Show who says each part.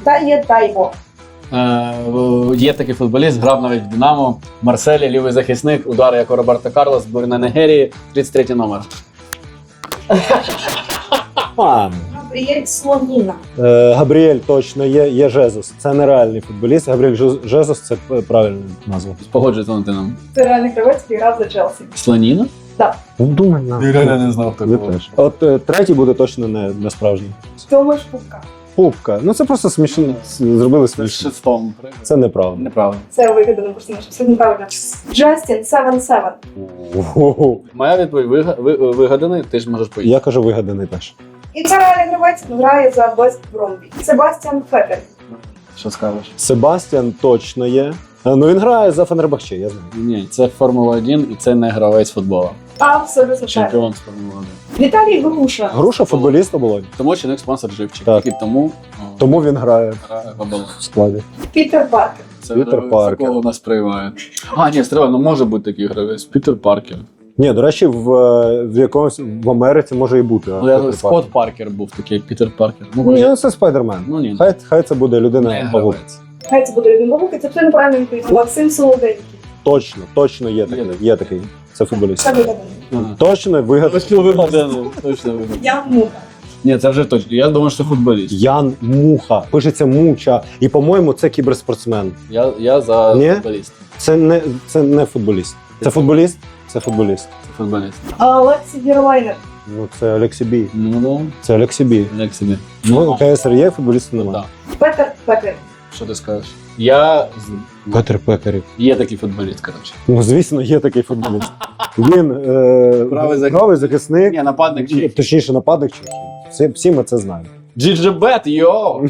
Speaker 1: Та є Тайво.
Speaker 2: Є такий футболіст, грав навіть в Динамо. Марселі, лівий захисник, удари як у Роберто Карлос, збірна Нігерії, 33 номер.
Speaker 1: Габріель Слоніна.
Speaker 3: Габріель точно є Жезус. Це нереальний футболіст. Габріель Жезус це правильна назва.
Speaker 2: Погоджується з Валентином.
Speaker 1: Це реальний гравець, який грав за Челсі.
Speaker 2: Слоніна?
Speaker 1: Так.
Speaker 3: Ну, думай на.
Speaker 2: Я реально не знав, хто
Speaker 3: Ви
Speaker 2: це.
Speaker 3: теж. От третій буде точно не справжній.
Speaker 1: Томаш Пупка.
Speaker 3: Пупка. Ну це просто смішно. Зробили
Speaker 2: Це з
Speaker 3: смішно.
Speaker 2: шестом.
Speaker 3: Це неправда.
Speaker 2: Неправда.
Speaker 1: Це вигадано просто, все неправильно. Джастін 77.
Speaker 3: Ого.
Speaker 2: Моя відповідь вигаданий, ти ж можеш поїхати.
Speaker 3: Я кажу вигаданий теж.
Speaker 1: І це реальний гравець, грає за Вест Бромбі. Себастьян Фетель.
Speaker 2: Що скажеш?
Speaker 3: Себастьян точно є. Ну він грає за Фенербахче, я знаю.
Speaker 2: Ні, це Формула 1 і це не гравець футболу.
Speaker 1: Абсолютно правильно.
Speaker 2: Чемпіон з Формули 1.
Speaker 1: Віталій Груша.
Speaker 3: Груша футболіст оболонь.
Speaker 2: Тому чинник спонсор Живчик.
Speaker 3: Так.
Speaker 2: І тому
Speaker 3: Тому він грає
Speaker 2: грає в оболонь.
Speaker 3: в складі.
Speaker 1: Пітер Паркер.
Speaker 2: Це
Speaker 3: Пітер
Speaker 2: гравець,
Speaker 3: Паркер.
Speaker 2: якого нас приймають. А, ні, стріла, ну може бути такий гравець. Пітер Паркер.
Speaker 3: Ні, до речі, в якомусь в Америці може і бути.
Speaker 2: Ну, я Скотт Паркер був такий, Пітер Паркер.
Speaker 3: Ні, це Спайдермен.
Speaker 2: Ну ні.
Speaker 3: Хай це буде
Speaker 2: Не
Speaker 3: людина павук.
Speaker 2: гравець.
Speaker 1: Хай це буде один бабук, і це все неправильно відповідь. Максим Солоденький.
Speaker 3: Точно є такий. Є такий. Це футболіст.
Speaker 1: Це вигадано.
Speaker 2: Ага.
Speaker 3: Точно вигаданий.
Speaker 2: Точно вигаданий. Точно вигаданий.
Speaker 1: Я муха.
Speaker 2: Ні, це вже точно. Я думаю, що це футболіст.
Speaker 3: Ян Муха. Пишеться Муча. І, по-моєму, це кіберспортсмен.
Speaker 2: Я за
Speaker 3: Ні?
Speaker 2: футболіст.
Speaker 3: Це не футболіст. Це футболіст? Це футболіст.
Speaker 2: Це футболіст.
Speaker 1: А Олексій Вірлайнер.
Speaker 3: Ну, це Олексій Бій.
Speaker 2: Ну,
Speaker 3: Це Олексій Бій.
Speaker 2: як собі.
Speaker 3: Ну, КСР є, футболістів немає.
Speaker 2: Так.
Speaker 1: Петер Пекер.
Speaker 2: Що ти скажеш? Я
Speaker 3: Петр Пекарів.
Speaker 2: є такий футболіст, коротше.
Speaker 3: Ну, звісно, є такий футболіст. Він
Speaker 2: Правий
Speaker 3: захисник.
Speaker 2: Ні, нападник чи.
Speaker 3: Точніше, нападник Чехії. Всі ми це знаємо.
Speaker 2: GGBet, йоу!